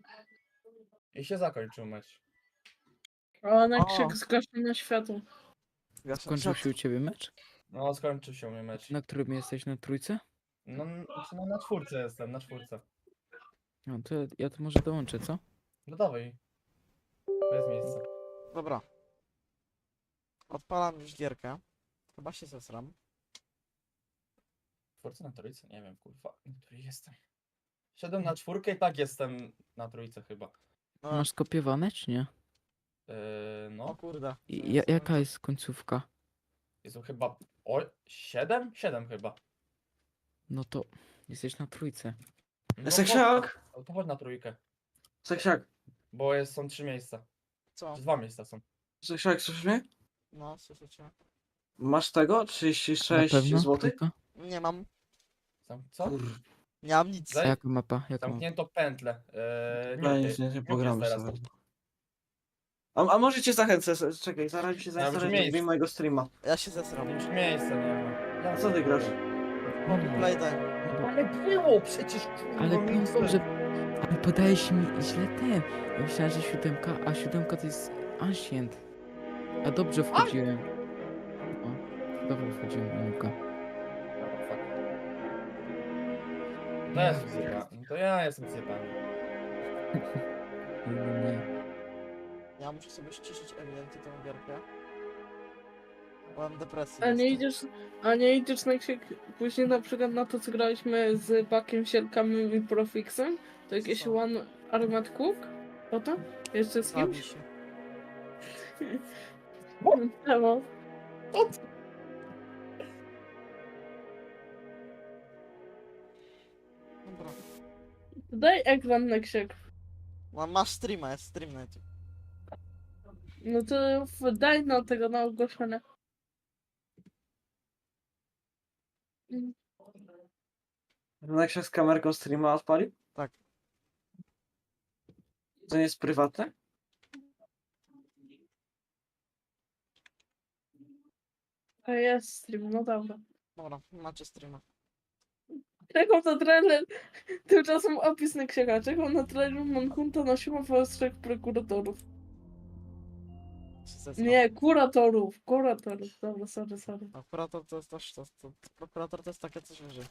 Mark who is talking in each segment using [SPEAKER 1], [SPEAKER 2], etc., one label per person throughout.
[SPEAKER 1] I się zakończył mecz.
[SPEAKER 2] O, na
[SPEAKER 3] O.
[SPEAKER 2] krzyk zgaszone światło.
[SPEAKER 4] Skończył się u ciebie mecz?
[SPEAKER 1] No, skończył się mój mecz.
[SPEAKER 4] Na którym jesteś? Na trójce?
[SPEAKER 1] No, na czwórce jestem, na czwórce.
[SPEAKER 4] No to ja to może dołączę, co?
[SPEAKER 1] No dawaj. Bez miejsca.
[SPEAKER 3] Dobra. Odpalam już gierkę. Chyba się zesram.
[SPEAKER 1] Czwórce na trójce? Nie wiem, kurwa, na której jestem. Szedłem na czwórkę i tak jestem na trójce chyba.
[SPEAKER 3] No,
[SPEAKER 4] Masz skopiowane, czy nie?
[SPEAKER 3] o
[SPEAKER 1] No,
[SPEAKER 3] kurde.
[SPEAKER 4] I jaka jest końcówka?
[SPEAKER 1] jest chyba... O, 7? 7 chyba.
[SPEAKER 4] No to jesteś na trójce.
[SPEAKER 1] No,
[SPEAKER 5] Seksiak!
[SPEAKER 1] to chodź na trójkę.
[SPEAKER 5] Seksiak!
[SPEAKER 1] Bo są 3 miejsca.
[SPEAKER 3] Co?
[SPEAKER 1] 2 miejsca są.
[SPEAKER 5] Seksiak, słyszysz mnie?
[SPEAKER 3] No, słyszycie?
[SPEAKER 5] Masz tego?
[SPEAKER 4] Na
[SPEAKER 5] 36
[SPEAKER 4] pewno?
[SPEAKER 5] zł?
[SPEAKER 4] Trójka?
[SPEAKER 3] Nie mam.
[SPEAKER 1] Co?
[SPEAKER 5] Kur...
[SPEAKER 3] Nie mam nic.
[SPEAKER 4] A jaka mapa? Jaka mapa?
[SPEAKER 1] Zamknięto pętlę.
[SPEAKER 5] Nie pogramy
[SPEAKER 1] teraz.
[SPEAKER 5] sobie. A może cię zachęcę, czekaj, zaraz mi się
[SPEAKER 1] Ja
[SPEAKER 5] zainstaluję
[SPEAKER 1] brzmi-
[SPEAKER 5] do mojego streama.
[SPEAKER 3] Ja się zesram.
[SPEAKER 1] Już miejsca nie ma.
[SPEAKER 5] A co ty grasz?
[SPEAKER 3] Playtime.
[SPEAKER 1] Ale było przecież, kurwa,
[SPEAKER 4] Ale
[SPEAKER 1] miejsce.
[SPEAKER 4] dobrze. Ale podajesz mi źle ten. Ja myślałem, że siódemka, a siódemka to jest Ancient. A dobrze wchodziłem. O, dobrze wchodziłem, Anuka.
[SPEAKER 1] No ja jestem zjebany. No to ja jestem zjebany.
[SPEAKER 4] Nie.
[SPEAKER 3] Ja muszę sobie ściszyć ewidentnie tę gierkę. Bo mam depresję.
[SPEAKER 2] A nie idziesz na krzyk później na przykład na to, co graliśmy z Bakiem, Sielkami i Profixem? To jakieś
[SPEAKER 3] Co?
[SPEAKER 2] One Armed Cook? O to? Jeszcze z
[SPEAKER 3] Zabij
[SPEAKER 2] kimś?
[SPEAKER 3] się.
[SPEAKER 2] Czemu?
[SPEAKER 3] Dobra.
[SPEAKER 2] Daj ekran na krzyk.
[SPEAKER 3] Masz streama, jest stream na YouTube.
[SPEAKER 2] No to daj na tego na ogłoszenie.
[SPEAKER 5] Neksiak z kamerką streama odpalił?
[SPEAKER 3] Tak.
[SPEAKER 5] To nie jest prywatne?
[SPEAKER 2] A jest stream, no dobra.
[SPEAKER 3] Dobra, macie streama.
[SPEAKER 2] Czekam na trailer. Tymczasem opis na krzyka. Czekam na trailer Manhunta na siłę z 3 prokuratorów.
[SPEAKER 3] Się zesram.
[SPEAKER 2] Nie, kuratorów. Kuratorów. Dobra, sorry.
[SPEAKER 3] A prokurator to jest też, prokurator to jest takie coś wyżej.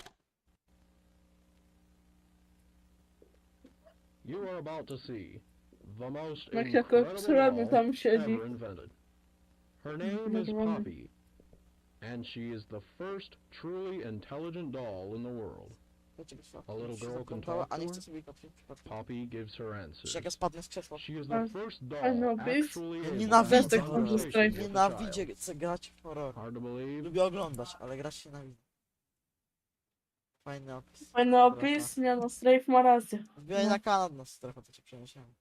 [SPEAKER 6] You are about to see the most
[SPEAKER 2] Jak jako
[SPEAKER 6] incredible
[SPEAKER 2] obsrany
[SPEAKER 6] doll
[SPEAKER 2] tam siedzi.
[SPEAKER 6] ever invented. Her name is
[SPEAKER 2] Normalnie.
[SPEAKER 6] Poppy, and she is the first truly intelligent doll in the world.
[SPEAKER 3] Wiecie, go światło.
[SPEAKER 6] A little
[SPEAKER 3] Już się
[SPEAKER 6] girl can
[SPEAKER 3] zaplątała,
[SPEAKER 6] talk
[SPEAKER 3] a
[SPEAKER 6] to
[SPEAKER 3] nie
[SPEAKER 6] her?
[SPEAKER 3] chcę sobie kopić przypadkiem.
[SPEAKER 6] Poppy gives her answers.
[SPEAKER 3] Jak ja spadnę z krzesła.
[SPEAKER 6] She is
[SPEAKER 2] A-
[SPEAKER 6] the first doll
[SPEAKER 2] I know this.
[SPEAKER 6] actually
[SPEAKER 3] Ja
[SPEAKER 6] able to
[SPEAKER 3] nienawidzę
[SPEAKER 6] have
[SPEAKER 2] tego
[SPEAKER 6] conversations
[SPEAKER 2] Strafe.
[SPEAKER 6] with a
[SPEAKER 3] Nienawidzę
[SPEAKER 6] child.
[SPEAKER 3] chcę grać w horror.
[SPEAKER 6] Hard to believe.
[SPEAKER 3] Lubię oglądać, ale grać się nienawidzę. Fajny opis.
[SPEAKER 2] Fajny opis, nie no, Strafe ma rację.
[SPEAKER 3] Wbijaj na kanał na strefę, to cię przeniesiemy.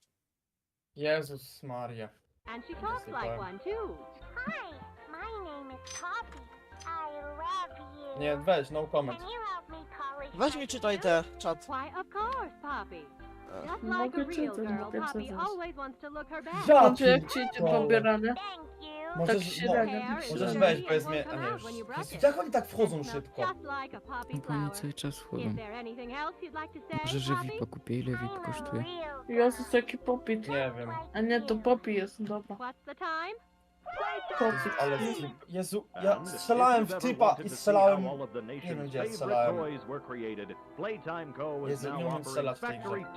[SPEAKER 1] Jezus Maria.
[SPEAKER 7] And she talks like one too.
[SPEAKER 8] Hi, my name is Poppy. I love you.
[SPEAKER 1] Nie, weź, no comment.
[SPEAKER 8] Can you help me polish
[SPEAKER 3] Weź
[SPEAKER 8] my
[SPEAKER 3] mi czytaj
[SPEAKER 8] shoes?
[SPEAKER 3] te czat.
[SPEAKER 7] Why, of course, Poppy.
[SPEAKER 3] E,
[SPEAKER 7] Just
[SPEAKER 2] Mogę
[SPEAKER 7] like a real
[SPEAKER 2] czytać,
[SPEAKER 7] girl,
[SPEAKER 2] mogę
[SPEAKER 7] Poppy
[SPEAKER 2] czytać.
[SPEAKER 7] always wants to look her best.
[SPEAKER 1] Ja
[SPEAKER 2] Znaczy jak ci idzie
[SPEAKER 1] pierdolę.
[SPEAKER 2] pobieranie?
[SPEAKER 8] Thank you.
[SPEAKER 2] Tak
[SPEAKER 1] Możesz,
[SPEAKER 2] średnio.
[SPEAKER 1] możesz
[SPEAKER 7] Sure.
[SPEAKER 1] wejść, powiedz mi, a nie już. Jezu, jak oni tak wchodzą szybko?
[SPEAKER 7] Just like a poppy
[SPEAKER 4] No bo oni
[SPEAKER 7] flower.
[SPEAKER 4] cały czas
[SPEAKER 7] Is
[SPEAKER 4] wchodzą.
[SPEAKER 7] there anything else you'd like to say,
[SPEAKER 4] Może, że
[SPEAKER 7] Poppy?
[SPEAKER 4] VIP kupię. Ile VIP
[SPEAKER 8] I'm a
[SPEAKER 4] kosztuje?
[SPEAKER 8] real
[SPEAKER 2] Jezus, jaki popit.
[SPEAKER 1] Nie wiem.
[SPEAKER 2] A nie, to Poppy jest, dobra.
[SPEAKER 7] What's the time?
[SPEAKER 2] Popit.
[SPEAKER 1] Ale Jezu, ja strzelałem w typa i strzelałem...
[SPEAKER 9] Nie
[SPEAKER 1] wiem, gdzie ja strzelałem.
[SPEAKER 9] Jezu,
[SPEAKER 1] Jezu, nie umiem strzelać w tej grze.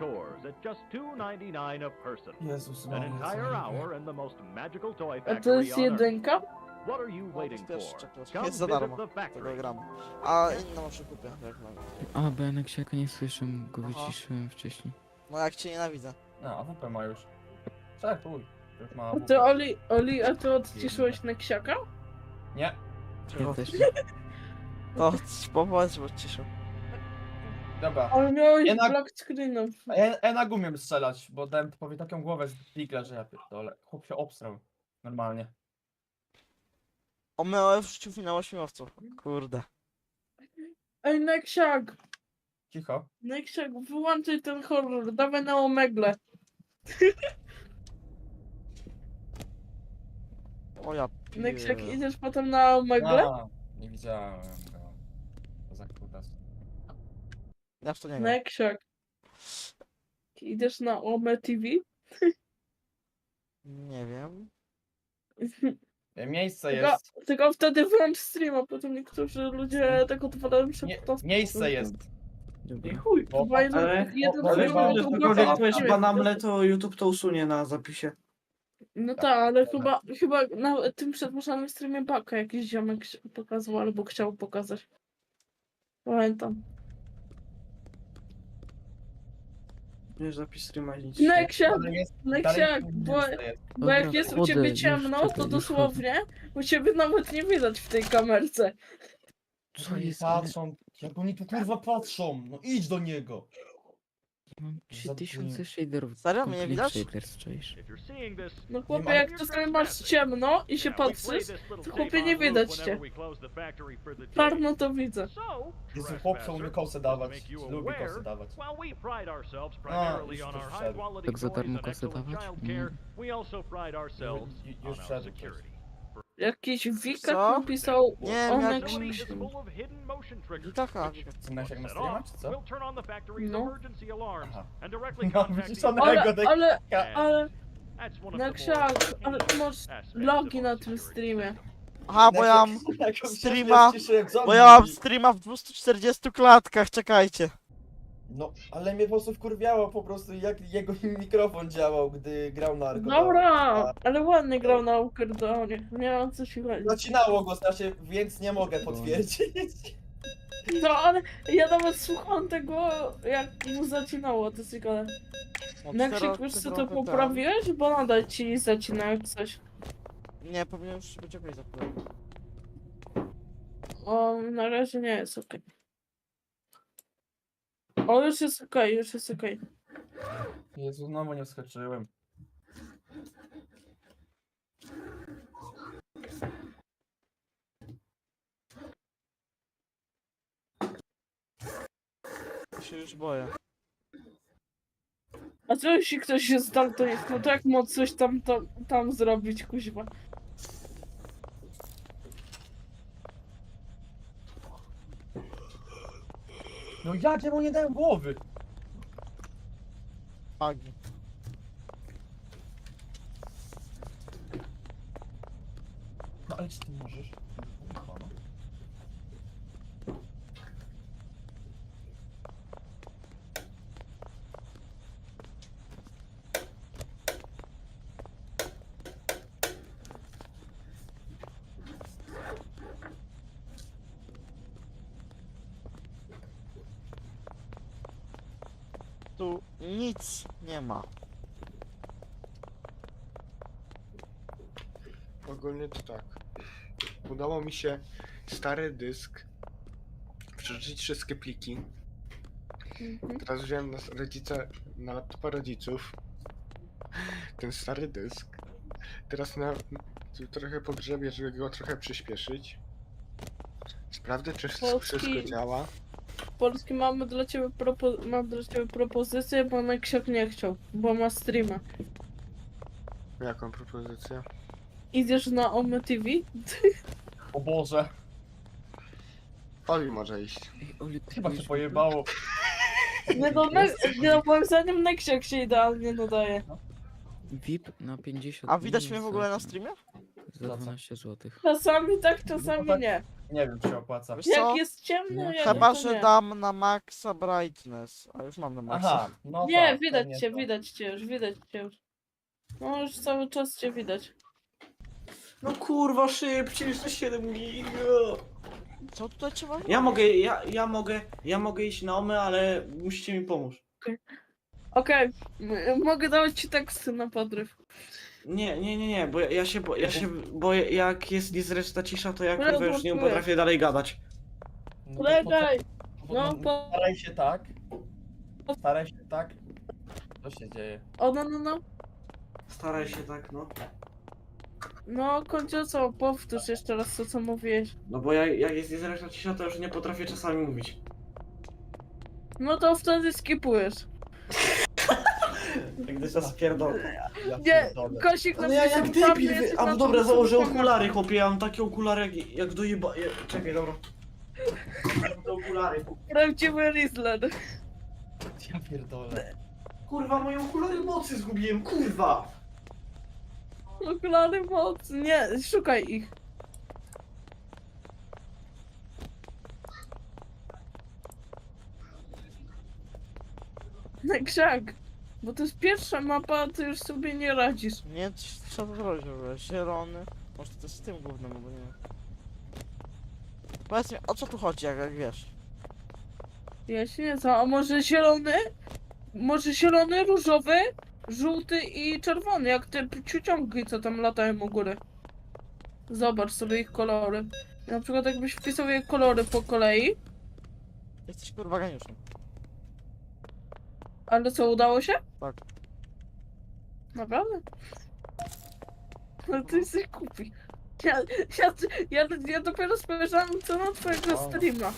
[SPEAKER 1] Jezus
[SPEAKER 9] An
[SPEAKER 1] Maria,
[SPEAKER 9] entire
[SPEAKER 1] co
[SPEAKER 9] hour in the most magical toy
[SPEAKER 2] A to
[SPEAKER 9] factory
[SPEAKER 2] jest
[SPEAKER 9] on Earth.
[SPEAKER 2] jedynka?
[SPEAKER 9] What are you waiting
[SPEAKER 3] też
[SPEAKER 9] for?
[SPEAKER 3] czekać.
[SPEAKER 9] Come
[SPEAKER 3] Jest za
[SPEAKER 9] visit
[SPEAKER 3] darmo.
[SPEAKER 9] the
[SPEAKER 3] Tego
[SPEAKER 9] factory.
[SPEAKER 3] gram. A inną muszę kupię, jak mogę.
[SPEAKER 4] A, bo ja na ksiaka nie słyszę, go
[SPEAKER 3] Aha.
[SPEAKER 4] wyciszyłem wcześniej.
[SPEAKER 3] No jak cię nienawidzę.
[SPEAKER 1] No, AWP ma już. Tak, chuj. Już ma
[SPEAKER 2] A
[SPEAKER 1] AWP.
[SPEAKER 2] ty, Oli, a ty odciszyłeś na ksiaka?
[SPEAKER 1] Nie.
[SPEAKER 4] Ja też.
[SPEAKER 3] To powiedz, bo ciszę.
[SPEAKER 1] Dobra.
[SPEAKER 2] Ale miałeś
[SPEAKER 1] Jednak-
[SPEAKER 2] black screenem.
[SPEAKER 1] Ja na umiem strzelać, bo dałem typowi taką głowę z digla, że ja pierdolę. Chłop się obstrał. Normalnie.
[SPEAKER 3] Omyłem w życiu finał ośmiowców. Kurde.
[SPEAKER 2] Ej, Neksiak!
[SPEAKER 1] Cicho.
[SPEAKER 2] Neksiak, wyłączaj ten horror, dawaj na omegle.
[SPEAKER 3] O ja
[SPEAKER 2] Neksiak,
[SPEAKER 3] pier-
[SPEAKER 2] idziesz potem na omegle?
[SPEAKER 1] A, nie widziałem go. To za kutas.
[SPEAKER 3] Ja w to nie gram.
[SPEAKER 2] Neksiak. idziesz na OME TV?
[SPEAKER 3] Nie wiem.
[SPEAKER 1] Miejsce
[SPEAKER 2] Tylko,
[SPEAKER 1] jest.
[SPEAKER 2] tylko wtedy włącz streama, potem niektórzy ludzie tak odpalają się
[SPEAKER 1] Nie,
[SPEAKER 2] po to.
[SPEAKER 1] miejsce jest.
[SPEAKER 2] I
[SPEAKER 4] Dobra.
[SPEAKER 2] chuj,
[SPEAKER 1] Bo-
[SPEAKER 2] chyba jeden,
[SPEAKER 5] Ale
[SPEAKER 2] jeden
[SPEAKER 1] ale
[SPEAKER 2] chyba
[SPEAKER 1] mam-
[SPEAKER 2] to
[SPEAKER 5] cokolwiek
[SPEAKER 2] chyba-
[SPEAKER 5] powiesz banamle, to YouTube to usunie na zapisie.
[SPEAKER 2] No tak, ale chyba na tym przedłużanym streamie Baka jakiś ziomek pokazał albo chciał pokazać. Pamiętam.
[SPEAKER 5] Nie, zapis streama nic.
[SPEAKER 2] Neksiak,
[SPEAKER 1] Ale jest-
[SPEAKER 2] Neksiak,
[SPEAKER 1] dalej
[SPEAKER 2] bo
[SPEAKER 1] miejsce jest.
[SPEAKER 2] Bo jak
[SPEAKER 4] Dobra,
[SPEAKER 2] jest u
[SPEAKER 4] wchodzę,
[SPEAKER 2] ciebie
[SPEAKER 4] już
[SPEAKER 2] ciemno,
[SPEAKER 4] czekaj,
[SPEAKER 2] to
[SPEAKER 4] już
[SPEAKER 2] dosłownie u ciebie nawet nie widać w tej kamerce.
[SPEAKER 4] Co
[SPEAKER 1] Oni
[SPEAKER 4] jest?
[SPEAKER 1] patrzą. Jak oni tu kurwa patrzą? No idź do niego.
[SPEAKER 4] Mam 3000 shaderów.
[SPEAKER 3] Serio? Mnie
[SPEAKER 4] Complete
[SPEAKER 3] widać?
[SPEAKER 4] shaders, czaisz?
[SPEAKER 9] If you're seeing this,
[SPEAKER 2] No chłopie,
[SPEAKER 1] ma-
[SPEAKER 2] jak czasami masz ciemno i się
[SPEAKER 9] yeah, we play
[SPEAKER 2] patrzysz,
[SPEAKER 9] this little
[SPEAKER 2] to
[SPEAKER 9] tape
[SPEAKER 2] chłopie
[SPEAKER 9] on
[SPEAKER 2] nie
[SPEAKER 9] loop
[SPEAKER 2] widać
[SPEAKER 9] whenever
[SPEAKER 2] cię.
[SPEAKER 9] we close the factory for the day.
[SPEAKER 2] Czarno to widzę.
[SPEAKER 9] So,
[SPEAKER 1] Jezu, chłopca umie
[SPEAKER 9] trespasser,
[SPEAKER 1] kosę dawać.
[SPEAKER 9] make you
[SPEAKER 1] Lubi
[SPEAKER 9] aware,
[SPEAKER 1] kosę dawać.
[SPEAKER 9] while we pride ourselves primarily
[SPEAKER 1] już
[SPEAKER 9] on
[SPEAKER 1] to
[SPEAKER 9] our
[SPEAKER 1] wszedł.
[SPEAKER 9] high quality
[SPEAKER 4] Tak za
[SPEAKER 9] toys
[SPEAKER 4] darmo
[SPEAKER 9] and
[SPEAKER 4] kosę
[SPEAKER 9] excellent
[SPEAKER 4] dawać?
[SPEAKER 9] child care, we also pride ourselves
[SPEAKER 1] Już
[SPEAKER 9] on our
[SPEAKER 1] wszedł ktoś.
[SPEAKER 9] security.
[SPEAKER 2] Jakiś
[SPEAKER 3] Co?
[SPEAKER 2] Wikak napisał
[SPEAKER 3] Nie,
[SPEAKER 2] Onek
[SPEAKER 9] Facility is
[SPEAKER 2] Śmieszny.
[SPEAKER 9] full of hidden motion triggers,
[SPEAKER 3] Wikaka.
[SPEAKER 9] which,
[SPEAKER 1] Cynaś jak na
[SPEAKER 9] set
[SPEAKER 1] streama,
[SPEAKER 9] off,
[SPEAKER 1] czy co?
[SPEAKER 9] will turn on the factory's
[SPEAKER 2] No.
[SPEAKER 9] emergency alarms
[SPEAKER 1] Aha.
[SPEAKER 9] and directly
[SPEAKER 1] No,
[SPEAKER 9] contact
[SPEAKER 1] widzisz,
[SPEAKER 9] the
[SPEAKER 1] one-
[SPEAKER 2] Ale,
[SPEAKER 1] Tego
[SPEAKER 2] ale,
[SPEAKER 9] And
[SPEAKER 2] ale,
[SPEAKER 9] that's one of the more
[SPEAKER 2] Neksiak, ale ty masz
[SPEAKER 9] aspects
[SPEAKER 2] logi
[SPEAKER 9] of
[SPEAKER 2] na
[SPEAKER 9] our
[SPEAKER 2] tym
[SPEAKER 9] security
[SPEAKER 2] streamie.
[SPEAKER 9] system.
[SPEAKER 3] Aha, bo ja mam
[SPEAKER 1] Jak on się
[SPEAKER 3] streama-
[SPEAKER 1] ściszyłem, co
[SPEAKER 3] Bo ja mam
[SPEAKER 1] mówi?
[SPEAKER 3] streama w 240 klatkach, czekajcie.
[SPEAKER 1] No, ale mnie po prostu wkurwiało po prostu jak jego mikrofon działał, gdy grał na Argodonie.
[SPEAKER 2] Dobra, ale ładnie grał na Ukerdonie. Nie mam co się chodzi.
[SPEAKER 1] Zacinało go strasznie, więc nie mogę potwierdzić.
[SPEAKER 2] No ale ja nawet słucham tego, jak mu zacinało to ciekawe. Neksiak, wiesz co to poprawiłeś? Bo nadal ci zacina jak coś.
[SPEAKER 3] Nie, powinien już być okej za chwilę.
[SPEAKER 2] O, na razie nie jest okej. O, już jest okej, już jest okej.
[SPEAKER 1] Jezu, znowu nie wskoczyłem.
[SPEAKER 3] Ja się już boję.
[SPEAKER 2] A co jeśli ktoś się zdaltonist? No to jak mógł coś tam zrobić, kuźwa?
[SPEAKER 1] No jak ja mu nie dałem głowy?
[SPEAKER 3] Agi.
[SPEAKER 1] No ale czy ty możesz? Kurwa, no.
[SPEAKER 3] Tu nic nie ma.
[SPEAKER 10] Ogólnie to tak. Udało mi się stary dysk przeczytać wszystkie pliki.
[SPEAKER 2] Mhm.
[SPEAKER 10] Teraz wziąłem na laptopa rodziców ten stary dysk. Teraz tu trochę pogrzebię, żeby go trochę przyspieszyć. Sprawdzę, czy wszystko
[SPEAKER 2] Polski-
[SPEAKER 10] działa.
[SPEAKER 2] Polski, mam dla ciebie propozycję, bo Neksiak nie chciał, bo ma streama.
[SPEAKER 10] Jaką propozycję?
[SPEAKER 2] Idziesz na OME TV?
[SPEAKER 1] O Boże,
[SPEAKER 10] Oli może iść.
[SPEAKER 4] Ej, Oli, ty
[SPEAKER 1] chyba się
[SPEAKER 4] byłeś
[SPEAKER 1] pojebało.
[SPEAKER 2] Nie no, no moim zdaniem Neksiak się idealnie nadaje.
[SPEAKER 4] VIP na 50
[SPEAKER 3] A widać
[SPEAKER 4] dni
[SPEAKER 3] mnie w ogóle na
[SPEAKER 4] za-
[SPEAKER 3] streamie?
[SPEAKER 4] Za 12 zł.
[SPEAKER 2] Czasami tak, czasami
[SPEAKER 1] tak.
[SPEAKER 2] nie.
[SPEAKER 1] Nie wiem, czy się opłaca.
[SPEAKER 3] Wiesz
[SPEAKER 2] Jak
[SPEAKER 3] co?
[SPEAKER 2] jest ciemno,
[SPEAKER 4] No,
[SPEAKER 2] jak
[SPEAKER 3] Chyba,
[SPEAKER 2] to
[SPEAKER 3] że
[SPEAKER 2] nie.
[SPEAKER 3] dam na maxa brightness. A już mam na maxa.
[SPEAKER 1] Aha, no
[SPEAKER 2] Nie,
[SPEAKER 1] tak,
[SPEAKER 2] widać
[SPEAKER 1] pewnie
[SPEAKER 2] cię,
[SPEAKER 1] to.
[SPEAKER 2] widać cię już, widać cię już. No już cały czas cię widać.
[SPEAKER 5] No kurwa, szybciej, jeszcze 7 giga.
[SPEAKER 3] Co tutaj trzeba?
[SPEAKER 5] Ja mogę iść na OME, ale musicie mi pomóc.
[SPEAKER 2] Okej, mogę dawać ci teksty na podryw.
[SPEAKER 5] Nie, bo bo jak jest niezręczna cisza, to ja
[SPEAKER 2] Ale
[SPEAKER 5] kurwa już nie
[SPEAKER 2] blokuje.
[SPEAKER 5] potrafię dalej gadać.
[SPEAKER 1] No to
[SPEAKER 2] Polegaj!
[SPEAKER 1] po-
[SPEAKER 2] No,
[SPEAKER 1] Staraj się tak. Staraj się tak. Co się dzieje?
[SPEAKER 2] O, no.
[SPEAKER 5] Staraj się tak, no.
[SPEAKER 2] No, kończę co? Powtórz jeszcze raz to, co mówiłeś.
[SPEAKER 5] No bo jak jest niezręczna cisza, to już nie potrafię czasami mówić.
[SPEAKER 2] No to wtedy skipujesz.
[SPEAKER 5] Jak gdy czas pierdolę.
[SPEAKER 1] Ja
[SPEAKER 2] Nie,
[SPEAKER 1] pierdolę.
[SPEAKER 2] Kosik
[SPEAKER 5] No ja jak
[SPEAKER 2] napisał, tam
[SPEAKER 5] debil,
[SPEAKER 2] jest
[SPEAKER 5] a
[SPEAKER 2] na
[SPEAKER 5] dobra,
[SPEAKER 2] tym
[SPEAKER 5] założę
[SPEAKER 2] samym
[SPEAKER 5] okulary, chłopie, ja mam takie okulary jak do Czekaj, dobra. Mam te okulary.
[SPEAKER 2] Prawdziwy Rizzler.
[SPEAKER 1] Ja pierdolę.
[SPEAKER 5] Kurwa, moje okulary mocy zgubiłem, kurwa!
[SPEAKER 2] Okulary mocy, nie, szukaj ich. Krzak, bo to jest pierwsza mapa, a ty już sobie nie radzisz.
[SPEAKER 3] Nie wiem, co to zrobić w ogóle. Zielony. Może to jest z tym głównym, bo nie wiem. Powiedz mi, o co tu chodzi, jak wiesz?
[SPEAKER 2] Ja się nie znam, a może zielony? Może zielony, różowy, żółty i czerwony, jak te ciuciągi, co tam latają u góry. Zobacz sobie ich kolory. Na przykład jakbyś wpisał je kolory po kolei,
[SPEAKER 3] Jesteś kurwa geniuszem.
[SPEAKER 2] ale co, udało się?
[SPEAKER 3] Tak.
[SPEAKER 2] Naprawdę? No ty jesteś głupi. Ja dopiero spojrzałem co na twojego streama.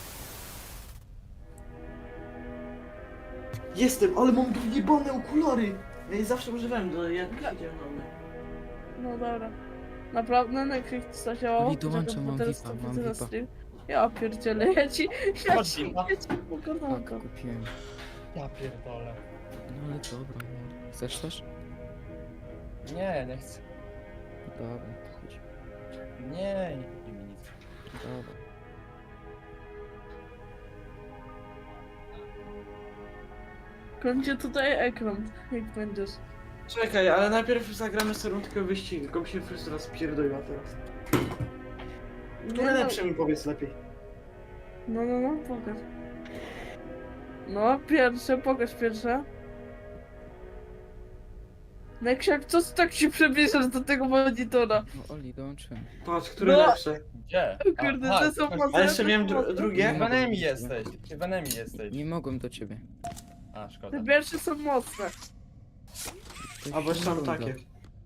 [SPEAKER 5] Jestem, ale mam jebane okulary! Ja je zawsze używałem, jak siedziałem na mnie.
[SPEAKER 2] No dobra. Naprawdę, na jakich coś działało?
[SPEAKER 4] Oli, dołączam,
[SPEAKER 2] Czekaj, bo
[SPEAKER 4] mam
[SPEAKER 2] teraz
[SPEAKER 4] VIPa,
[SPEAKER 2] to
[SPEAKER 4] mam
[SPEAKER 2] widzę na
[SPEAKER 4] VIPa.
[SPEAKER 2] stream. Ja pierdzielę, ja ci
[SPEAKER 1] Chodź, VIPa.
[SPEAKER 2] pogadam.
[SPEAKER 4] Tak, kupiłem.
[SPEAKER 1] Ja pierdolę.
[SPEAKER 4] No ale dobra, no. Chcesz też?
[SPEAKER 1] Nie, nie chcę.
[SPEAKER 4] Dobra, to chodź.
[SPEAKER 1] Nie kupi mi nic.
[SPEAKER 4] Dobra.
[SPEAKER 2] Kończę tutaj ekran, jak będziesz.
[SPEAKER 5] Czekaj, ale najpierw zagramy sobie rundkę wyścigu, tylko mi się wszyscy raz pierdoliła teraz. Które lepsze mi powiedz lepiej.
[SPEAKER 2] No, pokaż. No, pokaż pierwsze. Neksiak, co ty tak się przybliżasz do tego monitora?
[SPEAKER 4] No Oli, dołączyłem.
[SPEAKER 5] Patrz, które
[SPEAKER 2] No.
[SPEAKER 5] lepsze.
[SPEAKER 1] Gdzie?
[SPEAKER 2] Kurde,
[SPEAKER 1] Aha,
[SPEAKER 2] te są
[SPEAKER 1] chodź.
[SPEAKER 2] mocne.
[SPEAKER 5] A jeszcze
[SPEAKER 2] te
[SPEAKER 5] miałem
[SPEAKER 2] są mocne.
[SPEAKER 5] drugie?
[SPEAKER 1] Ty w enemy jesteś. Ty w enemy jesteś.
[SPEAKER 4] Nie mogłem do ciebie.
[SPEAKER 1] A, szkoda.
[SPEAKER 2] Te pierwsze są mocne.
[SPEAKER 4] To
[SPEAKER 5] A bo
[SPEAKER 4] się
[SPEAKER 5] jeszcze mam
[SPEAKER 4] runda.
[SPEAKER 5] takie.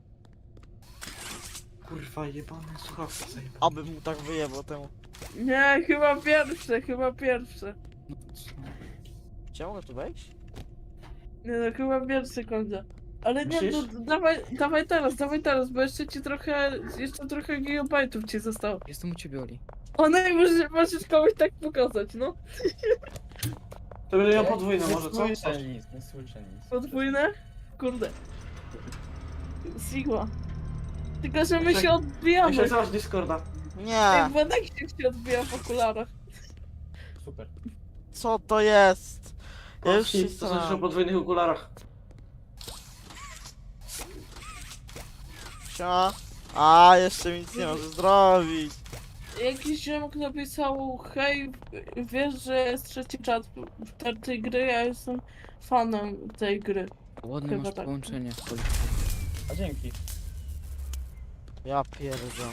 [SPEAKER 5] Kurwa, jebane słuchawki zajebane.
[SPEAKER 3] Aby mu tak wyjebał temu.
[SPEAKER 2] Nie, chyba pierwsze.
[SPEAKER 4] No co?
[SPEAKER 3] Czy ja mogę tu wejść?
[SPEAKER 2] Nie no, chyba pierwszy kończę. Ale nie, no
[SPEAKER 5] Myślisz?
[SPEAKER 2] dawaj teraz, bo jeszcze trochę gigabajtów ci zostało.
[SPEAKER 4] Jestem u ciebie, Oli.
[SPEAKER 2] O no i możesz komuś tak pokazać, no.
[SPEAKER 5] To będę miał podwójne
[SPEAKER 1] Nie
[SPEAKER 5] może, co?
[SPEAKER 1] słyszę nic, nie słyszę nic.
[SPEAKER 2] Podwójne? Kurde. Sigma. Tylko, że my
[SPEAKER 5] Jeszcze-
[SPEAKER 2] się odbijamy.
[SPEAKER 5] Jeszcze zaraz Discorda.
[SPEAKER 3] Nie!
[SPEAKER 2] Jak Benek się odbija w okularach.
[SPEAKER 1] Super.
[SPEAKER 3] Co to jest? Ja już się
[SPEAKER 5] To znaczy o
[SPEAKER 3] zastanawiam.
[SPEAKER 5] podwójnych okularach.
[SPEAKER 3] Siema. A, jeszcze mi nic nie może zrobić.
[SPEAKER 2] Jakiś ziomek napisał, hej, wiesz, że jest trzeci czat tej gry, ja jestem fanem tej gry.
[SPEAKER 4] Ładne
[SPEAKER 2] Chyba
[SPEAKER 4] masz
[SPEAKER 2] tak.
[SPEAKER 4] połączenie. Oli.
[SPEAKER 1] A dzięki.
[SPEAKER 3] Ja pierdolę.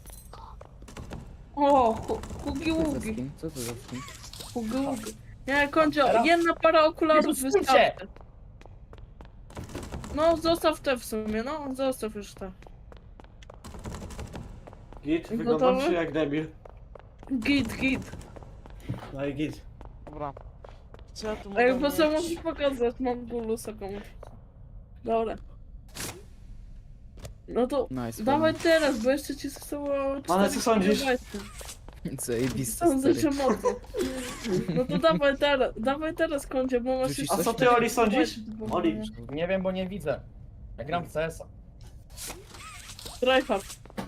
[SPEAKER 2] O, hugi
[SPEAKER 4] Co to za
[SPEAKER 2] ługi,
[SPEAKER 4] skin? Co to za skin?
[SPEAKER 2] hugi ługi. Nie, Kondzio,
[SPEAKER 1] Teraz-
[SPEAKER 2] jedna para okularów
[SPEAKER 1] Jezus,
[SPEAKER 2] wystarczy. No, zostaw te w sumie, no, zostaw już te.
[SPEAKER 5] Git,
[SPEAKER 2] Gotowy?
[SPEAKER 5] wyglądam się jak debil.
[SPEAKER 2] Git.
[SPEAKER 5] No i git.
[SPEAKER 3] Dobra. Co ja tu
[SPEAKER 2] Ej,
[SPEAKER 3] mogę
[SPEAKER 2] bo co
[SPEAKER 3] mieć?
[SPEAKER 2] możesz pokazać, mam gulusa komuś. Dobra. No to
[SPEAKER 4] Nice.
[SPEAKER 2] dawaj teraz, bo jeszcze ci zostało
[SPEAKER 5] Ale co
[SPEAKER 2] 4
[SPEAKER 5] sądzisz?
[SPEAKER 2] kilobajty.
[SPEAKER 4] Zajebiste,
[SPEAKER 2] Sądzę,
[SPEAKER 4] stary.
[SPEAKER 2] że mocno. No to dawaj teraz Kondzie, bo masz
[SPEAKER 4] Rzucisz
[SPEAKER 2] jeszcze...
[SPEAKER 5] A co
[SPEAKER 4] coś?
[SPEAKER 5] ty, Oli, sądzisz?
[SPEAKER 2] do
[SPEAKER 5] Oli.
[SPEAKER 2] pobrania.
[SPEAKER 1] Nie wiem, bo nie widzę. Ja gram w CS-a.
[SPEAKER 2] Tryhard.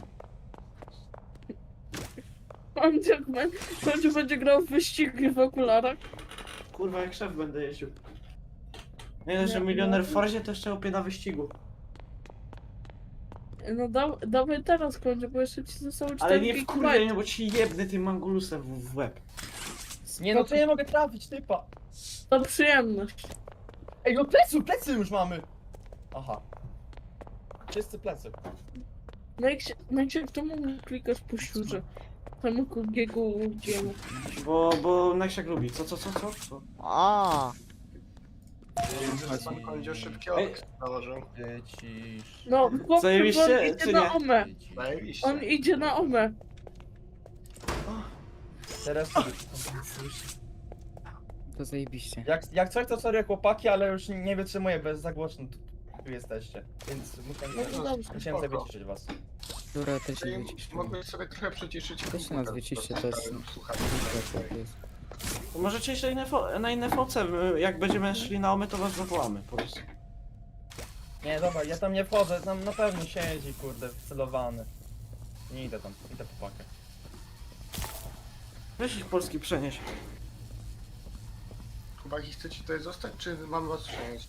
[SPEAKER 2] Kondzie będzie grał w wyścigi w okularach.
[SPEAKER 5] Kurwa, jak szef będę jeździł. Nie dość, że
[SPEAKER 2] Nie,
[SPEAKER 5] milioner
[SPEAKER 2] no.
[SPEAKER 5] w Forzie, to jeszcze opie na wyścigu.
[SPEAKER 2] No dawaj teraz Kondzie, bo jeszcze ci zostało 4
[SPEAKER 5] Ale nie w
[SPEAKER 2] gigabajty.
[SPEAKER 5] kurwie, bo ci jebnę tym mangulusem w łeb.
[SPEAKER 1] Nie no, to nie mogę trafić, typa.
[SPEAKER 2] To przyjemność.
[SPEAKER 1] Ej, no plecy już mamy. Aha. Wszyscy plecy.
[SPEAKER 2] No jak się czemu klikasz po siurze? Temu kugiego łudziemu.
[SPEAKER 5] Bo Neksiak lubi. Co?
[SPEAKER 3] A,
[SPEAKER 10] Pan Kondzio szybki
[SPEAKER 5] Ej.
[SPEAKER 10] okres założył.
[SPEAKER 1] Cisz.
[SPEAKER 2] No, chłopcy,
[SPEAKER 5] Zajebiście,
[SPEAKER 2] on idzie
[SPEAKER 5] czy
[SPEAKER 2] na
[SPEAKER 5] nie?
[SPEAKER 2] omę.
[SPEAKER 10] Zajebiście.
[SPEAKER 2] On idzie na omę.
[SPEAKER 1] Teraz
[SPEAKER 4] To zajebiście.
[SPEAKER 1] jak coś to sorry chłopaki, ale już nie wytrzymuję bez za głośno tu jesteście. Więc
[SPEAKER 2] No to dobrze.
[SPEAKER 1] musiałem sobie wyciszyć was.
[SPEAKER 4] Dobra, też się
[SPEAKER 10] Czyli
[SPEAKER 4] wycisz.
[SPEAKER 10] mogłeś sobie trochę przyciszyć
[SPEAKER 4] Też nas wyciście, to jest...
[SPEAKER 10] Słuchajcie.
[SPEAKER 4] To jest.
[SPEAKER 5] To możecie iść na inne foce, jak będziemy szli na omy, to was zawołamy, po prostu.
[SPEAKER 1] Nie, dobra, ja tam nie wchodzę, tam na pewno siedzi, kurde, wcelowany. Nie idę tam, idę po pakę.
[SPEAKER 5] Weź ich Polski przenieś.
[SPEAKER 10] Chłopaki, chcecie tutaj zostać, czy mam was przenieść?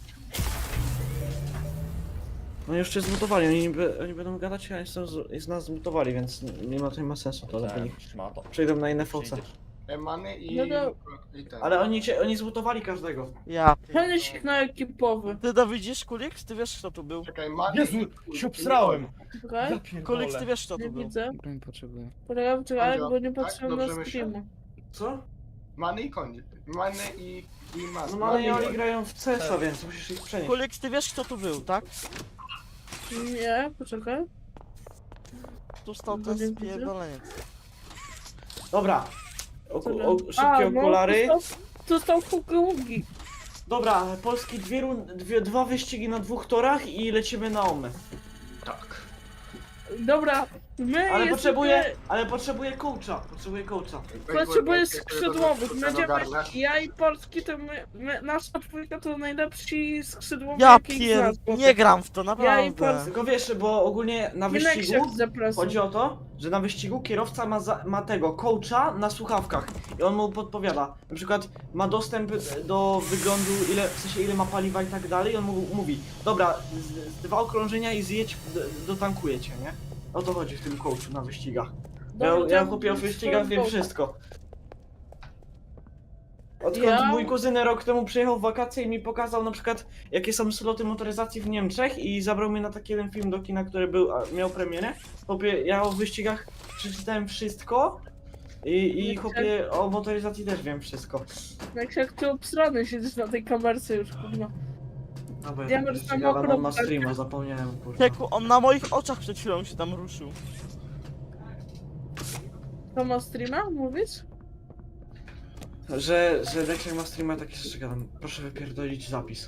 [SPEAKER 5] No już cię zmutowali, oni będą gadać, a z nas zmutowali, więc nie ma to nie ma sensu to dla nich.
[SPEAKER 1] Szmato.
[SPEAKER 5] Przejdą na inne foce.
[SPEAKER 1] Przyjdziesz.
[SPEAKER 10] Emany i...
[SPEAKER 2] No to-
[SPEAKER 10] i ten.
[SPEAKER 5] Ale oni zmutowali każdego.
[SPEAKER 3] Ja.
[SPEAKER 2] Przenieś ich na ekipowy.
[SPEAKER 3] Ty to widzisz, Kulik? Ty wiesz kto tu był?
[SPEAKER 10] Czekaj, Many
[SPEAKER 1] Jezu,
[SPEAKER 10] i...
[SPEAKER 1] się obsrałem!
[SPEAKER 2] Czekaj,
[SPEAKER 1] Ja pierdolę.
[SPEAKER 3] Kulik, ty wiesz kto
[SPEAKER 2] nie
[SPEAKER 3] tu był?
[SPEAKER 2] widzę.
[SPEAKER 4] Broń potrzebuję.
[SPEAKER 2] Czekaj, bo nie
[SPEAKER 10] Tak?
[SPEAKER 2] patrzyłem
[SPEAKER 10] Dobrze
[SPEAKER 2] na
[SPEAKER 10] myślę?
[SPEAKER 2] streama.
[SPEAKER 5] Co?
[SPEAKER 10] Many i koń. Many i Many.
[SPEAKER 5] No ale
[SPEAKER 10] i
[SPEAKER 5] oni
[SPEAKER 10] koń.
[SPEAKER 5] grają w CS-a, więc musisz ich przenieść.
[SPEAKER 3] Kulik, ty wiesz kto tu był, tak?
[SPEAKER 2] Nie, poczekaj.
[SPEAKER 3] Tu stał
[SPEAKER 2] No
[SPEAKER 3] ten
[SPEAKER 2] nie widzę.
[SPEAKER 3] spierdoleniec.
[SPEAKER 5] Dobra. Szybkie
[SPEAKER 2] A,
[SPEAKER 5] okulary.
[SPEAKER 2] No, to stał hugi.
[SPEAKER 5] Dobra, Polski dwa wyścigi na 2 torach i lecimy na omę.
[SPEAKER 10] Tak.
[SPEAKER 2] Dobra, my
[SPEAKER 5] Ale potrzebuję coacha.
[SPEAKER 2] potrzebuję skrzydłowych.
[SPEAKER 10] Będziemy...
[SPEAKER 2] Będziemy,
[SPEAKER 10] ogarnę.
[SPEAKER 2] ja i Polski to nasza dwójka to najlepsi skrzydłowi
[SPEAKER 3] Ja
[SPEAKER 2] jakich znam.
[SPEAKER 3] nie gram w to,
[SPEAKER 2] Ja i
[SPEAKER 3] naprawdę.
[SPEAKER 2] Polski.
[SPEAKER 5] Tylko wiesz, bo ogólnie na
[SPEAKER 2] Inek się
[SPEAKER 5] wyścigu
[SPEAKER 2] zapraszam.
[SPEAKER 5] chodzi o to, że na wyścigu kierowca ma tego coacha na słuchawkach i on mu podpowiada. Na przykład ma dostęp do wyglądu, w sensie ile ma paliwa i tak dalej, i on mu mówi, dobra, z 2 okrążenia i zjedź, dotankuję cię, nie? O to chodzi w tym coachu na wyścigach.
[SPEAKER 2] Dobra,
[SPEAKER 5] Ja
[SPEAKER 2] to
[SPEAKER 5] kupię o wyścigach, wiem
[SPEAKER 2] swoją
[SPEAKER 5] wszystko. Odkąd
[SPEAKER 2] Ja-
[SPEAKER 5] mój kuzyn rok temu przyjechał w wakacje i mi pokazał na przykład jakie są sloty motoryzacji w Niemczech i zabrał mnie na taki jeden film do kina, który miał premierę. Chłopie, ja o wyścigach przeczytałem wszystko i chłopie o motoryzacji też wiem wszystko.
[SPEAKER 2] Jak ty obsrany siedzisz na tej kamerce już, kurwa.
[SPEAKER 5] No bo
[SPEAKER 2] Ja
[SPEAKER 5] ja
[SPEAKER 2] mam
[SPEAKER 5] tak
[SPEAKER 2] tam
[SPEAKER 5] gadam, on ma
[SPEAKER 2] okropne.
[SPEAKER 5] streama, zapomniałem kurwa.
[SPEAKER 3] Teku, on na moich oczach przed chwilą się tam ruszył.
[SPEAKER 2] To ma streama, mówisz?
[SPEAKER 5] Że Dexter ma streama, takie rzeczy gadam. Proszę wypierdolić zapis.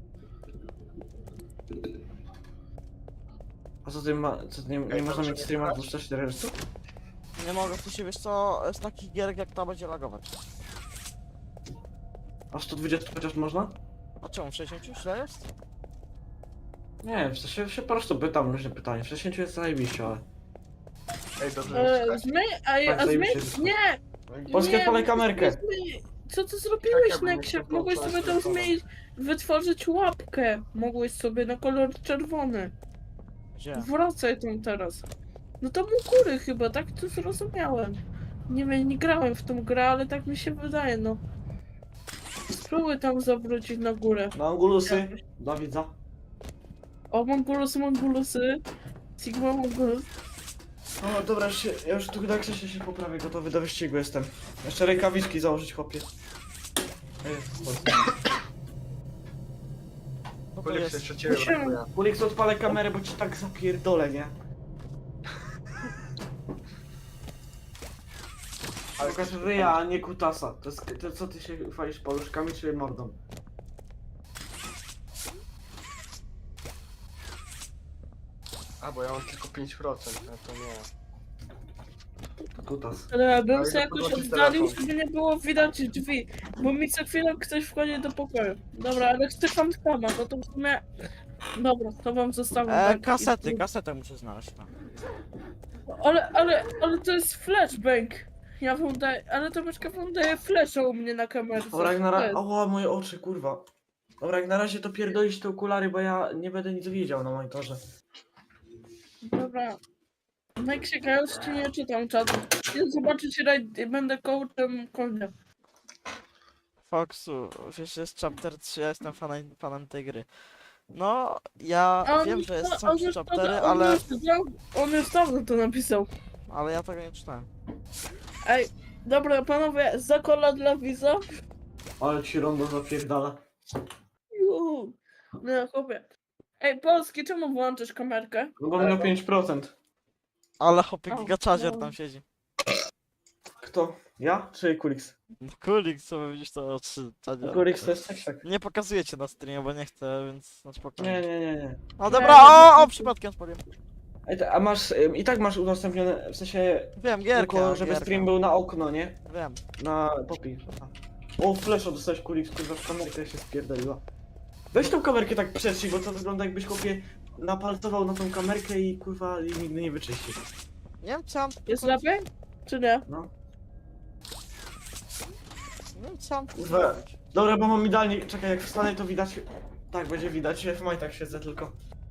[SPEAKER 5] A co ty nie można mieć streama 24 Hz?
[SPEAKER 3] Nie mogę, w sensie wiesz co, z takich gierek jak ta będzie lagować.
[SPEAKER 5] A 120 chociaż można?
[SPEAKER 3] A czemu, w 60 źle jest?
[SPEAKER 5] Nie, w sensie się po prostu pytam różne pytania. W 60 jest zajebiście, ale...
[SPEAKER 10] Ej, dobrze.
[SPEAKER 2] Zmień,
[SPEAKER 5] Tak,
[SPEAKER 2] a zmień,
[SPEAKER 5] zajebiście.
[SPEAKER 2] nie!
[SPEAKER 5] Polskie
[SPEAKER 2] nie,
[SPEAKER 5] pole kamerkę.
[SPEAKER 2] zmień. Co ty zrobiłeś,
[SPEAKER 10] Tak, ja bym
[SPEAKER 2] Neksiak?
[SPEAKER 10] nie
[SPEAKER 2] Mogłeś
[SPEAKER 10] chciał
[SPEAKER 2] sobie tam
[SPEAKER 10] patrzeć,
[SPEAKER 2] zmienić, wytworzyć łapkę. Mogłeś sobie na kolor czerwony.
[SPEAKER 3] Gdzie?
[SPEAKER 2] Wracaj tam teraz. No to u góry chyba, tak to zrozumiałem. Nie wiem, nie grałem w tą grę, ale tak mi się wydaje, no. Spróbuj tam zawrócić na górę.
[SPEAKER 5] Na angulusy, dla widza.
[SPEAKER 2] O, Mongulusy. Sigma Mongulus.
[SPEAKER 5] O, dobra, ja już tu na krześle się poprawię, gotowy do wyścigu jestem. Jeszcze rękawiczki założyć, chłopie.
[SPEAKER 3] No to
[SPEAKER 10] Kulik
[SPEAKER 3] jest.
[SPEAKER 10] jeszcze ciebie
[SPEAKER 2] Musimy-
[SPEAKER 10] brakuje.
[SPEAKER 5] Kulik, odpalę kamerę, bo ci tak zapierdolę, nie? Ale tylko ryja, a nie kutasa. To co ty się chwalisz, paluszkami czy mordą?
[SPEAKER 10] A, bo ja mam tylko 5%, no to nie.
[SPEAKER 5] Kutas.
[SPEAKER 2] Ale bym
[SPEAKER 10] Ale
[SPEAKER 2] sobie
[SPEAKER 10] to
[SPEAKER 2] jakoś
[SPEAKER 10] podłączyć
[SPEAKER 2] oddalił,
[SPEAKER 10] telefon.
[SPEAKER 2] żeby nie było widać drzwi. Bo mi co chwilę ktoś wchodzi do pokoju. Dobra, ale chcę tam sama, no to w sumie... Dobra, to wam zostawiam. tak.
[SPEAKER 3] Kasetę muszę znaleźć. No.
[SPEAKER 2] Ale to jest flashbang. Ja wam daję, ale to myszka wam daje flasha u mnie na kamerce.
[SPEAKER 5] Dobra, jak na
[SPEAKER 2] To
[SPEAKER 5] razie...
[SPEAKER 2] jest.
[SPEAKER 5] Oła, moje oczy, kurwa. Dobra, jak na razie to pierdolić te okulary, bo ja nie będę nic widział na monitorze.
[SPEAKER 2] Dobra. Neksiak, ja już ci nie czytam czatu. Chcę zobaczyć rajd, będę coachem konia.
[SPEAKER 3] Foxu, wiesz, jest chapter 3, ja jestem fanem tej gry. No, ja wiem, że są
[SPEAKER 2] on
[SPEAKER 3] 3
[SPEAKER 2] już
[SPEAKER 3] chaptery,
[SPEAKER 2] to-
[SPEAKER 3] ale
[SPEAKER 2] On już dawno to napisał.
[SPEAKER 3] ja tego nie czytałem.
[SPEAKER 2] Ej, dobra panowie, zakola dla widza.
[SPEAKER 5] Ale ci rondo zapierdala.
[SPEAKER 2] Juhu. No chłopie. Ej, Polski, czemu włączysz kamerkę?
[SPEAKER 5] No bo miał 5%.
[SPEAKER 3] Ale hopie
[SPEAKER 2] O,
[SPEAKER 3] gigaczazier
[SPEAKER 2] no.
[SPEAKER 3] tam siedzi.
[SPEAKER 5] Kto? Ja czy Kulix?
[SPEAKER 3] Kulik, co wy widzisz to oczy, Czadzier.
[SPEAKER 5] Kulix to jest tak.
[SPEAKER 3] Nie pokazujecie na streamie, bo nie chcę, więc na spokojnie.
[SPEAKER 5] Nie.
[SPEAKER 3] No dobra, o, przypadkiem spaliłem.
[SPEAKER 5] Ej, a masz, i tak masz udostępnione, w sensie,
[SPEAKER 3] Wiem, gierkę,
[SPEAKER 5] tylko żeby
[SPEAKER 3] gierkę.
[SPEAKER 5] stream był na okno, nie?
[SPEAKER 3] Wiem.
[SPEAKER 5] Na popi. O, flesza dostałeś kulik, kurwa, w kamerkę się spierdoliła. Weź tą kamerkę tak przetrzyj, bo to wygląda jakbyś chłopie napalcował na tą kamerkę i kurwa i nigdy nie wyczyścił.
[SPEAKER 3] Nie wiem co mam...
[SPEAKER 2] Jest lepiej? Czy nie?
[SPEAKER 5] No.
[SPEAKER 3] Nie wiem co mam
[SPEAKER 5] Kurwa.
[SPEAKER 3] zrobić.
[SPEAKER 5] Dobra, bo mam idealnie, czekaj, jak wstanę to widać... Tak, będzie widać, ja w majtach siedzę tylko.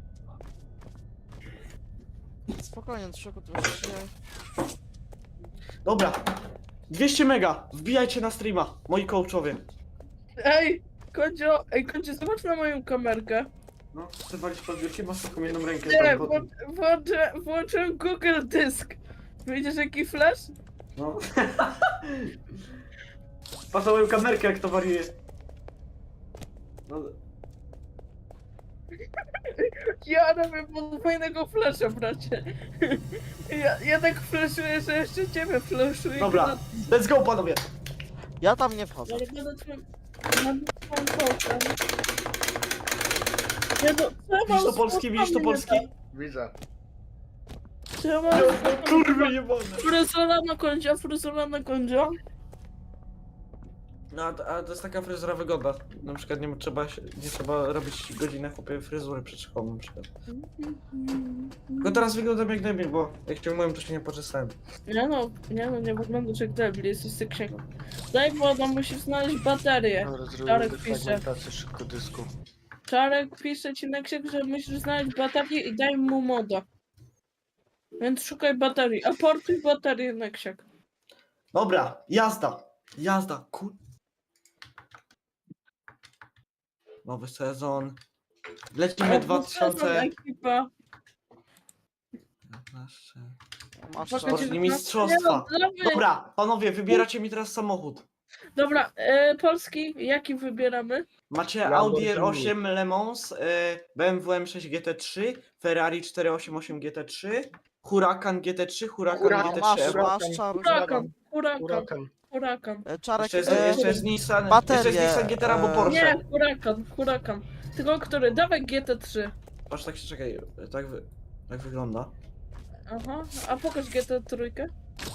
[SPEAKER 3] Spokojnie, Trzyku, to się...
[SPEAKER 5] Dobra. 200 mega, wbijajcie na streama, moi coachowie.
[SPEAKER 2] Ej, Kondzio, zobacz na moją kamerkę.
[SPEAKER 5] No, chcę walić pod wielkie, masz taką jedną rękę.
[SPEAKER 2] Nie,
[SPEAKER 5] tam pod-
[SPEAKER 2] włączyłem Google Dysk. Widzisz jaki flash?
[SPEAKER 5] No. Patrz na moją kamerkę, jak to wariuje. No,
[SPEAKER 2] Ja robię podwójnego flasha, bracie. Ja tak flashuję, że jeszcze ciebie flashuję.
[SPEAKER 5] dobra, let's go panowie.
[SPEAKER 3] Ja tam nie wchodzę.
[SPEAKER 2] Ale będę twoim... Będę twoim kołkiem. Nie no, co ja mam
[SPEAKER 5] Widzisz to
[SPEAKER 2] z
[SPEAKER 5] polski, widzisz to
[SPEAKER 2] włosami
[SPEAKER 5] polski?
[SPEAKER 2] nie
[SPEAKER 10] Widzę.
[SPEAKER 2] tak? Co ja mam z włosami
[SPEAKER 5] Kurwa
[SPEAKER 2] nie tak?
[SPEAKER 5] jebane.
[SPEAKER 2] Fryzura na kondzio.
[SPEAKER 5] No, a to jest taka fryzura wygodna. Na przykład nie trzeba robić godzinę chłopie fryzury przed szkołą na przykład. Tylko teraz wyglądam jak debil, bo jak cię umyłem, to się nie poczesałem.
[SPEAKER 2] Nie wyglądasz jak debil, jesteś seksiego. Daj wodę, musisz znaleźć baterię.
[SPEAKER 10] Dobra, zrobię
[SPEAKER 2] Czarek pisze.
[SPEAKER 10] defragmentację szybko dysku.
[SPEAKER 2] Czarek pisze ci na księg, że musisz znaleźć baterię i daj mu moda. Więc szukaj baterii, aportuj baterię na księg.
[SPEAKER 5] Dobra, jazda. Jazda, kur... Nowy sezon. Lecimy 2015.
[SPEAKER 2] Ekipa.
[SPEAKER 3] Masz
[SPEAKER 2] Pokaż-
[SPEAKER 3] czas.
[SPEAKER 5] Sportni mistrzostwa.
[SPEAKER 2] Nie, no,
[SPEAKER 5] Dobra, panowie, wybieracie mi teraz samochód.
[SPEAKER 2] Dobra, Polski, jaki wybieramy?
[SPEAKER 5] Macie Audi R8 Le Mans, BMW M6 GT3, Ferrari 488 GT3, Huracan GT3, Huracan
[SPEAKER 10] Huracan,
[SPEAKER 5] GT3
[SPEAKER 3] Masz,
[SPEAKER 5] Evo.
[SPEAKER 3] masz czar.
[SPEAKER 2] Huracan.
[SPEAKER 3] Czarek,
[SPEAKER 5] Jeszcze jest Nissan,
[SPEAKER 3] baterie,
[SPEAKER 5] jeszcze jest Nissan GT albo Porsche.
[SPEAKER 2] Nie, Huracan. Tylko który? Dawaj GT3.
[SPEAKER 5] Patrz, tak się czekaj, tak wygląda.
[SPEAKER 2] Aha, a pokaż GT3.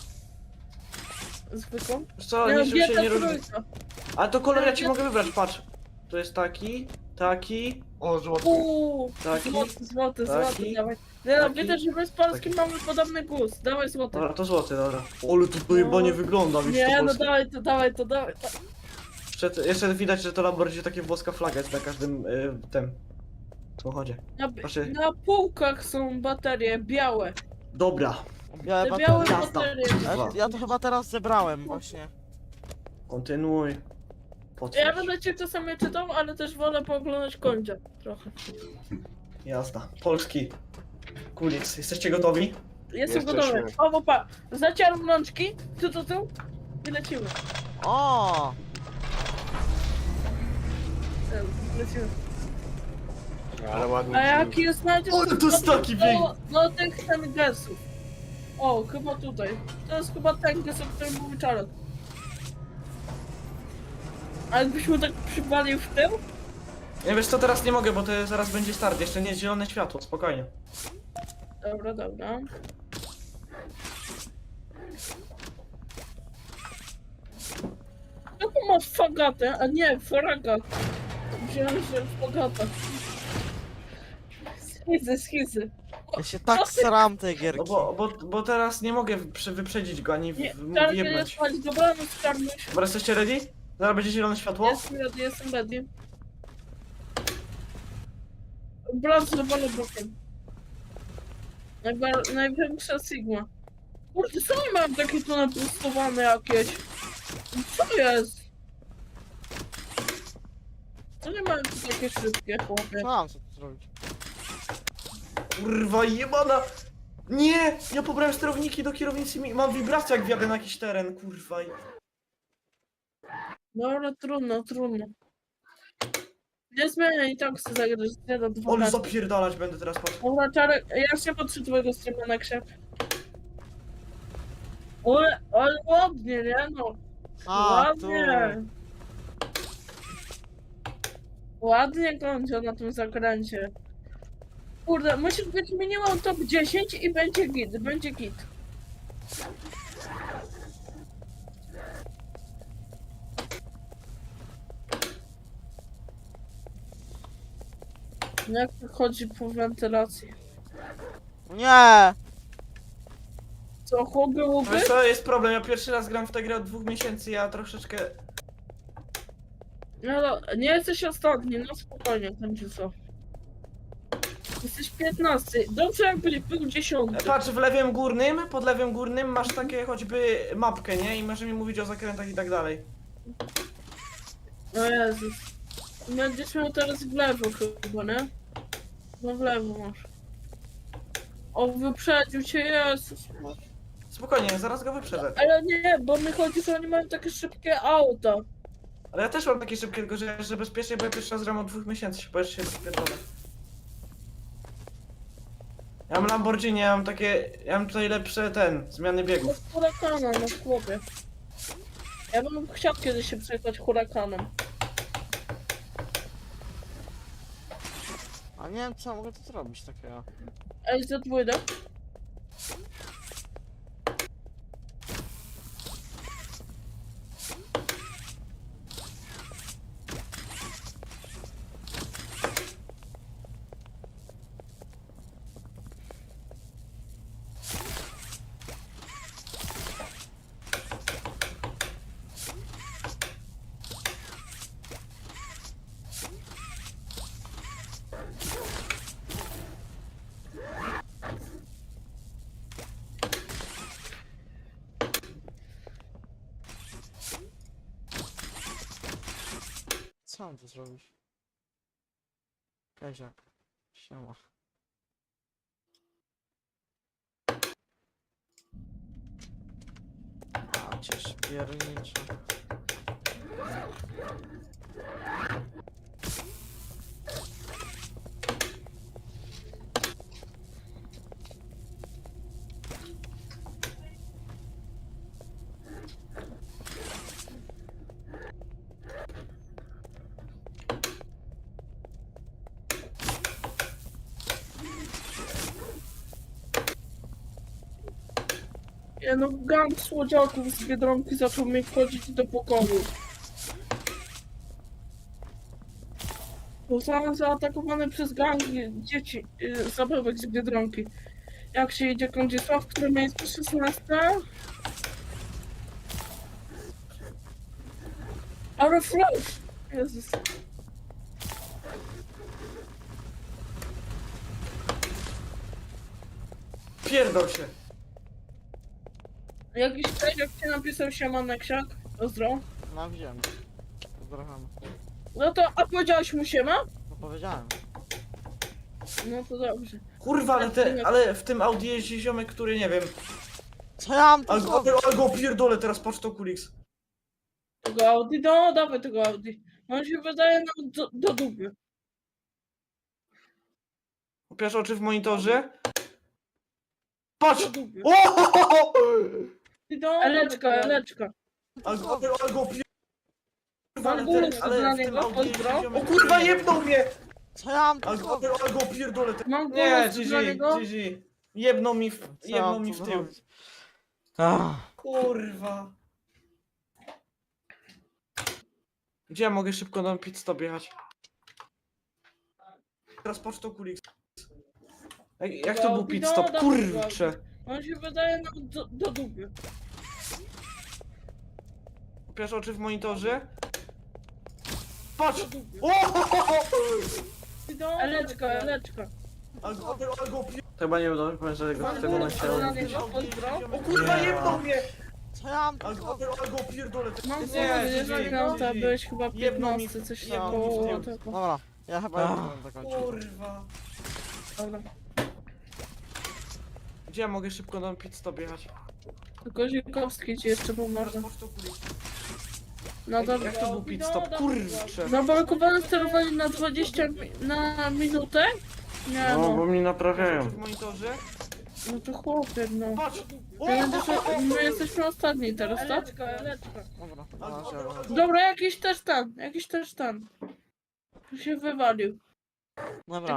[SPEAKER 2] Zwykłą.
[SPEAKER 5] Wiesz co,
[SPEAKER 2] Nie,
[SPEAKER 5] niczym się nie różni.
[SPEAKER 2] GT3.
[SPEAKER 5] Ale to kolor ja ci mogę wybrać, patrz. To jest taki,
[SPEAKER 10] O, złoty.
[SPEAKER 5] taki.
[SPEAKER 2] Złoty,
[SPEAKER 5] taki,
[SPEAKER 2] dawaj. Nie no,
[SPEAKER 5] taki,
[SPEAKER 2] widzę, że my z Polskim
[SPEAKER 5] taki.
[SPEAKER 2] mamy podobny gust. Dawaj złoty.
[SPEAKER 5] Dobra, to złoty, dobra. Ale to chyba nie wygląda, widzisz
[SPEAKER 2] Nie,
[SPEAKER 5] to
[SPEAKER 2] no
[SPEAKER 5] polskie.
[SPEAKER 2] dawaj to.
[SPEAKER 5] Jeszcze widać, że to Lamborghini takie włoska flaga jest na każdym tym samochodzie. Proszę.
[SPEAKER 2] Na półkach są baterie białe.
[SPEAKER 5] Dobra,
[SPEAKER 3] białe
[SPEAKER 2] Te białe
[SPEAKER 3] baterie.
[SPEAKER 5] Jazda.
[SPEAKER 2] baterie.
[SPEAKER 3] Ja to chyba teraz zebrałem właśnie.
[SPEAKER 5] kontynuuj.
[SPEAKER 2] Ja
[SPEAKER 5] Potwierdź.
[SPEAKER 2] będę cię czasami czytał, ale też wolę pooglądać końca trochę.
[SPEAKER 5] Jazda. Polski. Kulic, jesteście gotowi?
[SPEAKER 2] Jestem
[SPEAKER 10] Jesteśmy.
[SPEAKER 2] gotowy. O, opa, zacieram rączki. Tu. I lecimy.
[SPEAKER 3] O!
[SPEAKER 2] Lecimy.
[SPEAKER 10] Ale ładnie.
[SPEAKER 2] A jaki jest nacisk?
[SPEAKER 5] Ale to jest taki
[SPEAKER 2] do tych tengesów. O, chyba tutaj. To jest chyba tenges, o którym mówi Czarek. A jakbyśmy tak przywalił w tył?
[SPEAKER 5] Nie wiesz co, teraz nie mogę, bo to zaraz będzie start. Jeszcze nie jest zielone światło, spokojnie.
[SPEAKER 2] Dobra. Jaką masz fagatę? A nie, fragat. Wziąłem, że fagata. Schizy.
[SPEAKER 3] Ja się tak sram tej
[SPEAKER 5] No
[SPEAKER 3] gierki.
[SPEAKER 5] bo teraz nie mogę wyprzedzić go ani
[SPEAKER 2] Nie, Czarek nie
[SPEAKER 5] wjebnąć.
[SPEAKER 2] spać. Dobranoc, Czarnuś.
[SPEAKER 5] Dobra, jesteście ready? Zaraz będzie zielone światło?
[SPEAKER 2] Jestem ready. Brat zrobiony bokiem. Największa Sigma. Kurde, co nie mam takie tu napustowane jakieś? Co jest? Co nie mają tu takie szybkie, chłopie?
[SPEAKER 3] Mam co tu zrobić.
[SPEAKER 5] Kurwa jebana! Nie! Ja pobrałem sterowniki do kierownicy i mam wibrację jak wjadę na jakiś teren, kurwa.
[SPEAKER 2] Dobra, trudno. Nie zmieniaj i tak chcę zagrać 1 do 2
[SPEAKER 5] Ale
[SPEAKER 2] razy.
[SPEAKER 5] zapierdalać będę teraz, patrz.
[SPEAKER 2] Dobra, Czarek, ja się patrzę twojego streama na księg. Ale ładnie, nie no.
[SPEAKER 3] A, tu.
[SPEAKER 2] Ładnie kończę na tym zakręcie. Kurde, musisz być minimum top 10 i będzie git. Jak chodzi po wentylacji?
[SPEAKER 3] Nie!
[SPEAKER 2] Co, chłopy, łupy?
[SPEAKER 5] Wiesz co, jest problem, ja pierwszy raz gram w tę grę od 2 miesięcy, ja troszeczkę...
[SPEAKER 2] No, nie jesteś ostatni, no spokojnie, będzie co. Jesteś 15. Dobrze jakbyś był 10.
[SPEAKER 5] Patrz, w lewym górnym, pod lewym górnym masz takie choćby mapkę, nie? I możesz mi mówić o zakrętach i tak dalej.
[SPEAKER 2] O Jezus. Będziesz miał teraz w lewo chyba, nie? No w lewo masz. O, wyprzedził cię, Jezus.
[SPEAKER 5] Spokojnie, zaraz go wyprzedzę.
[SPEAKER 2] Ale nie, bo mi chodzi, że oni mają takie szybkie auta.
[SPEAKER 5] Ale ja też mam takie szybkie, tylko że bezpiecznie, bo ja pierwszy raz gram od 2 miesięcy, się boisz się rozpierdolę. Ja mam Lamborghini, ja mam takie, ja mam tutaj lepsze zmiany
[SPEAKER 2] No
[SPEAKER 5] biegów.
[SPEAKER 2] hurakana, no chłopie. Ja bym chciał kiedyś się przejechać hurakanem.
[SPEAKER 3] A nie wiem, co mogę tu zrobić takiego.
[SPEAKER 2] Ej, za dwójdę.
[SPEAKER 3] Co mam tu zrobić? Kaziak. Siema. A cię szpiernicza.
[SPEAKER 2] Ja no, gang słodziaków z Biedronki zaczął mi wchodzić do pokoju. Zostałem zaatakowany przez gang dzieci, zabawek z Biedronki. Jak się idzie Kądziesław, które miejsce 16? Ale flash! Jezus.
[SPEAKER 5] Pierdol się.
[SPEAKER 2] Jakiś ktoś, jak cię napisał siema ksiak? Pozdro.
[SPEAKER 3] No wiem. Pozdrawiam.
[SPEAKER 2] No to, a powiedziałeś mu siema?
[SPEAKER 3] No powiedziałem.
[SPEAKER 2] No to dobrze.
[SPEAKER 5] Kurwa, ale w tym Audi jeździ ziomek, który nie wiem.
[SPEAKER 3] Co ja mam tu
[SPEAKER 5] Ale
[SPEAKER 3] zrobić?
[SPEAKER 5] go pierdolę teraz, patrz to Kulix.
[SPEAKER 2] Tego Audi? No, dawaj tego Audi. On się wydaje nam do dupy.
[SPEAKER 5] Upiasz oczy w monitorze? Patrz!
[SPEAKER 2] Do dupy.
[SPEAKER 5] O!
[SPEAKER 2] Eleczka, eleczka.
[SPEAKER 5] Ale go pierdolę. Kurwa,
[SPEAKER 2] Mam głos
[SPEAKER 5] ale
[SPEAKER 2] dla
[SPEAKER 5] w tym
[SPEAKER 2] niego,
[SPEAKER 5] Audi jeździ
[SPEAKER 2] pozdro.
[SPEAKER 5] ziomek, który nie wiem.
[SPEAKER 3] jebnął mnie! Co ja mam tu
[SPEAKER 5] Ale
[SPEAKER 3] zrobić?
[SPEAKER 5] go pierdolę.
[SPEAKER 2] Mam
[SPEAKER 5] Nie,
[SPEAKER 2] głos dla niego.
[SPEAKER 5] GG. Jebnął mi w
[SPEAKER 3] Co ja mam tu
[SPEAKER 5] tył.
[SPEAKER 3] zrobić? Ach.
[SPEAKER 5] Kurwa. Gdzie ja mogę szybko na pit stop jechać? Teraz pocztą Kulix. Jak to był pit stop? Kurczę.
[SPEAKER 2] On się wydaje nam do dupy.
[SPEAKER 5] Upiasz oczy w monitorze? Patrz!
[SPEAKER 2] Do dupy.
[SPEAKER 5] O!
[SPEAKER 2] Eleczka, eleczka.
[SPEAKER 5] Ale go pierdolę. Chyba nie udało mi powiedzieć, że
[SPEAKER 2] Mam
[SPEAKER 5] tego na
[SPEAKER 2] głos
[SPEAKER 5] chciałem
[SPEAKER 2] dla
[SPEAKER 5] mówić.
[SPEAKER 2] niego, pozdro.
[SPEAKER 5] O kurwa, jebnął mnie!
[SPEAKER 3] Co ja mam tu
[SPEAKER 5] Ale
[SPEAKER 3] zrobić?
[SPEAKER 5] go pierdolę.
[SPEAKER 2] Mam głos
[SPEAKER 5] Nie,
[SPEAKER 2] dla
[SPEAKER 5] GG,
[SPEAKER 2] niego,
[SPEAKER 5] GG.
[SPEAKER 2] byłeś chyba
[SPEAKER 5] Jebnął mi
[SPEAKER 2] 15, coś
[SPEAKER 5] jebnął mi w
[SPEAKER 2] koło
[SPEAKER 5] tył.
[SPEAKER 2] tego.
[SPEAKER 3] Dobra, ja chyba nie będę zakończył.
[SPEAKER 5] Kurwa.
[SPEAKER 2] Dobra.
[SPEAKER 5] Gdzie ja mogę szybko na pit stop jechać?
[SPEAKER 2] Tylko Zikowski ci jeszcze pomoże.
[SPEAKER 5] Teraz pocztą Kulix.
[SPEAKER 2] No dobra.
[SPEAKER 5] Jak to był pit stop? Kurczę.
[SPEAKER 2] Zablokowane sterowanie na 20 na minutę? Nie no.
[SPEAKER 5] mnie naprawiają. W monitorze?
[SPEAKER 2] No to chłopie, no.
[SPEAKER 5] Patrz!
[SPEAKER 2] My jesteśmy ostatni teraz, tak? Eleczka, eleczka.
[SPEAKER 3] Dobra, na razie.
[SPEAKER 2] Dobra, jakiś też ten. Tu się wywalił.
[SPEAKER 3] Dobra.